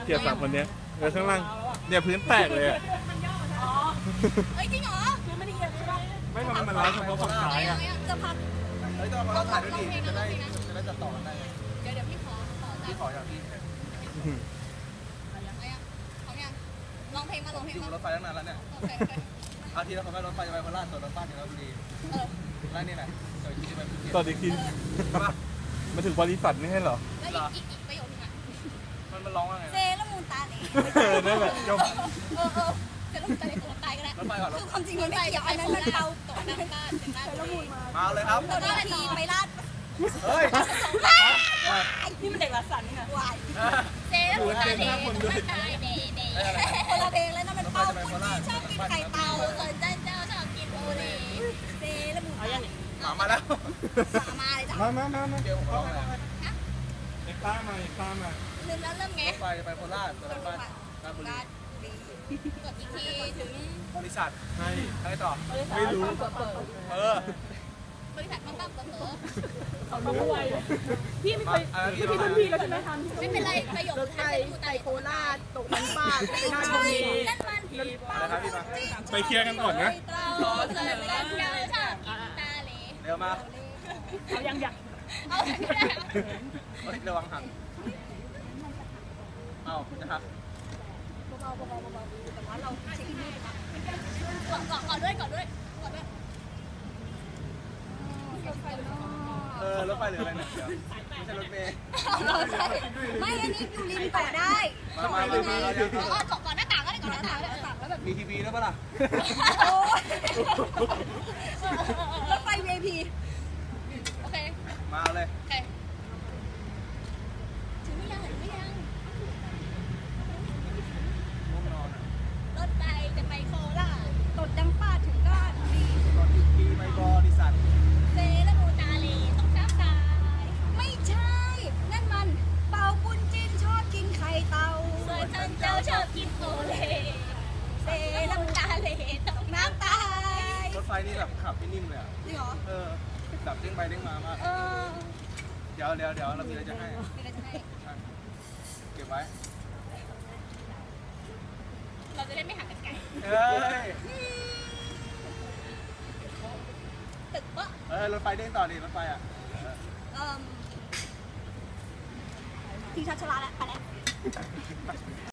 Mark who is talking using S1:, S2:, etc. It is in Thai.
S1: เกลียด3 คนเนี้ยแล้วข้างล่างเนี่ยพื้นแตกเลยอ่ะ
S2: เฮ้ยจริงเหรอไม่ได้เอียงใช่ป่ะ
S1: ไม่ทำไมมันร้าวเฉพาะฝั่งซ้ายอ่ะ
S2: จะพัก
S3: เฮ้ยต้องมาถ่ายด้วยดิจะได้จัดต่อกันได้
S2: เดี๋ยวพี่
S3: พี่ขออย่างพี่
S2: ลองเพลงมา
S3: อยู่รถไฟตั้งนานแล้วเนี่ยอาทิตย์ละคนไปรถไฟจะไปโคราชตัวรถไฟถึงลพบุรีแล้วนี่แหละเดี๋ยวจะไปภูเก็ต
S1: ตอนอีกทีมาถึงบริษัทไม่ใช่เหรอ
S2: แล้วอีกประโยคนึงอ่ะ
S3: มันร้องว่าไง
S2: เซละมูนตาเลย
S1: นั่นแหละจบ
S2: เซละมูนตาเลยตัวตายก็ได้
S3: รถไฟก่อน
S2: คือความจริงมันไม่เกี่ยวอันนั้นมันเบาต่อหน้าบ้านเซละมูน
S3: มาเลยครับ
S2: เราได้ทีไปลาด
S3: เฮ้ย
S2: นี่มันเด็กละสันนี่ไงวายเซละมูนตาเลยตายเด็คนละเพลงแล้วนั่นมันเป้าคุณที่ชอบกินไข่เต่าส่วนเจ้าชอบกินโอเล่เซละมูนตาเลย
S3: มาแล้ว
S2: มาเลยจ้ะ
S1: มา
S3: เดี๋ยวผมร้องอะไร
S1: เอ็กซ์ต้ามา
S2: ลืมแล้วเริ่มไง
S3: รถไฟจะไปโคราชตัวรถไฟราชบุรี
S2: กดอีกทีถึง
S3: บริษัทให้ต่อ
S1: ไม่รู้
S2: บริษัทต้องเปิด
S4: เขารู้ไวพี่ไม่เคยพี่รุ่นพี่แล้วใช่ไหมทัน
S2: ไม่เป็นไรประโยค
S4: ไทยไปโคราชตกมันป้าไปราชบุรี
S2: นั่นมัน
S1: ไปเคลียร์กันก่อนนะ
S2: รอเสนอชอบตาเล
S3: เร็วมา
S4: เอายัง
S2: เอา
S3: ระวังหักเอาจะหัก
S2: เบาแต่ว่าเราเช็คให้ก่อนด้วย
S3: รถไฟหรืออะไรเนี่ยไม่ใช่รถเมล์
S2: ไม่อันนี้อยู่ริมต่อได้ก่อนหน้าต่างก็ได้ก่อนหน้าต่างแล้วแบบ
S3: มีทีวีด้วยปะล่ะ
S2: รถไฟ VIP โอเค
S3: มาเลย
S2: โอเคถึงไม่ยังรถไฟจะไปโคราชตดดังป้าถึงก็ดี
S3: รถอีกทีไปบริษัท
S2: เซละมูตาเลต้องช้ำตายไม่ใช่นั่นมันเป่าปุ้นจิ้นชอบกินไข่เต่าส่วนเจ้าชอบกินโอเล่เซละมูตาเลต้องน้ำตาย
S3: รถไฟนี่แบบขับไม่นิ่มเลยอ่ะ
S2: จริงเหรอ
S3: แบบเด้งไปเด้งมามากเดี๋ยวเรามีอะไรจะให้เก็บไว้
S2: เราจะได้ไม่หักกันไกลตึกปะ
S3: รถไฟเด้งต่อดิรถไฟอ่ะ
S2: ทีชัดชลาแล้วไปแล้ว